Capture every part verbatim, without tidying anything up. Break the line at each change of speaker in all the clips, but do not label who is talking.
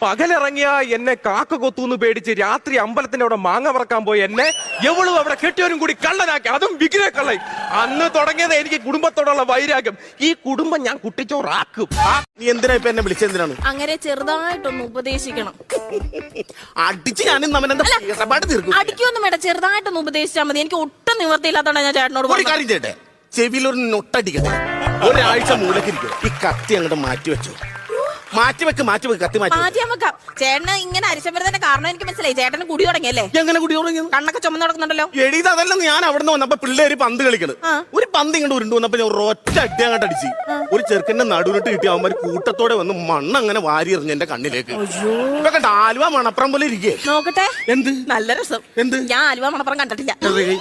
പകലിറങ്ങിയ എന്നെ കാക്ക കൊത്തൂന്ന് പേടിച്ച് രാത്രി അമ്പലത്തിന്റെ അവിടെ മാങ്ങ പറക്കാൻ പോയി എന്നെ എവളും അവിടെ കെട്ടിയവരും കൂടി കള്ളനാക്കി, അതും വിഗ്രഹ കള്ളൻ. അന്ന് തുടങ്ങിയത് എനിക്ക് കുടുംബത്തോടുള്ള വൈരാഗ്യം. ഈ കുടുംബം ഞാൻ കുട്ടിച്ചോറാക്കും.
നീ എന്തിനാ ഇപ്പൊ എന്നെ വിളിച്ചെന്തിനാണ്?
അങ്ങനെ ചെറുതായിട്ടൊന്ന് ഉപദേശിക്കണം.
അടിച്ച് ഞാൻ ഇടപാട് തീർക്കും.
അടിക്കൊന്നും വേണ്ട, ചെറുതായിട്ടൊന്ന് ഉപദേശിച്ചാൽ മതി. എനിക്ക് ഒട്ടും നിവർത്തിയില്ലാത്തോണ്ടാണ് ഞാൻ ചേട്ടനോട്
ഒരു കാര്യം ചെയ്യട്ടെ, ചെവിയിലൊരു നൊട്ടടിക്കട്ടെ, ഒരാഴ്ച മൂലക്കിരിക്കും. ഈ കത്തി അങ്ങോട്ട് മാറ്റി വെച്ചു. മാറ്റി വെക്ക് മാറ്റി വെക്ക് കത്തി മാറ്റി
മാറ്റിയാ വെക്കാം. ചേട്ടന് ഇങ്ങനെ അരിശം വരുന്നതിന്റെ കാരണം എനിക്ക് മനസ്സിലായി. ചേട്ടന് കുടി തുടങ്ങിയല്ലേ?
എങ്ങനെ കുടി തുടങ്ങിയത്?
കണ്ണൊക്കെ ചുമന്ന് നടക്കുന്നുണ്ടല്ലോ.
എഴുതി അതല്ല, ഞാൻ അവിടെ നിന്ന് വന്നപ്പോ പിള്ളേര് പന്ത് കളിക്കണ്. ഒരു പന്ത് ഇങ്ങോട്ട് ഉരുണ്ടു വന്നപ്പോ ഞാൻ ഒറ്റ അടി അങ്ങോട്ട് അടിച്ച് ഒരു ചെറുക്കന്റെ നടുവിട്ട് കിട്ടി. അവന്മാര് കൂട്ടത്തോടെ വന്ന് മണ്ണ് അങ്ങനെ വാരി എറിഞ്ഞു എന്റെ കണ്ണിലേക്ക്. ഇപ്പൊ കണ്ട ആലുവ മണപ്പുറം പോലെ ഇരിക്കേ.
നോക്കട്ടെ,
എന്ത്
നല്ല രസം.
എന്ത്?
ഞാൻ ആലുവ മണപ്പുറം കണ്ടിട്ടില്ല.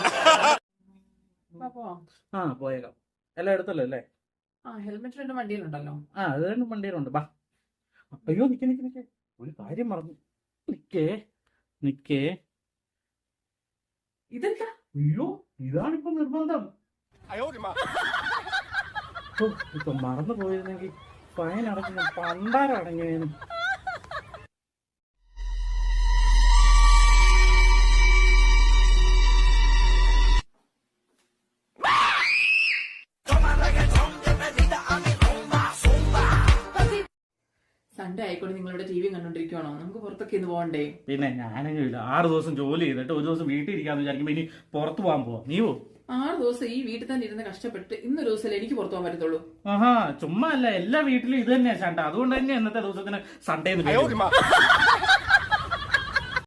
ആ പോയേക്കാം. എല്ലാം എടുത്തല്ലോ അല്ലേ?
ആ ഹെൽമെറ്റ് രണ്ട് വണ്ടിയിലുണ്ടല്ലോ.
ആ അത് രണ്ടും വണ്ടിയിലുണ്ട്. ബാ. അയ്യോ നിക്ക് നിക്ക് നിക്ക്, ഒരു കാര്യം മറന്നു. നിക്കേ നിക്കേ
ഇതെന്താ?
അയ്യോ ഇതാണിപ്പോ നിർബന്ധം. ഇപ്പൊ മറന്നു പോയിരുന്നെങ്കിൽ ഫൈൻ അടക്കുന്ന പണ്ടാരം അടങ്ങിയേന്.
സൺഡേ ആയിക്കോട്ടെ, നിങ്ങളിവിടെ ടി വി കണ്ടോണ്ടിരിക്കുവാണോ? നമുക്ക് പുറത്തൊക്കെ ഇന്ന് പോകണ്ടേ?
പിന്നെ ഞാനെങ്കിലും ആറ് ദിവസം ജോലി ചെയ്തിട്ട് ഒരു ദിവസം വീട്ടിൽ ഇരിക്കാന്ന് വിചാരിക്കുമ്പോ ഇനി പുറത്തു പോകാൻ പോവാ. നീ പോ.
ആറ് ദിവസം ഈ വീട്ടിൽ തന്നെ ഇരുന്ന് കഷ്ടപ്പെട്ട് ഇന്നൊരു ദിവസം എനിക്ക് പുറത്തു പോകാൻ പറ്റത്തുള്ളൂ.
ആഹാ ചുമ്മാ അല്ല, എല്ലാ വീട്ടിലും ഇത് തന്നെയാ ചേട്ടാ. അതുകൊണ്ട് തന്നെ ഇന്നത്തെ ദിവസത്തിന് സൺഡേ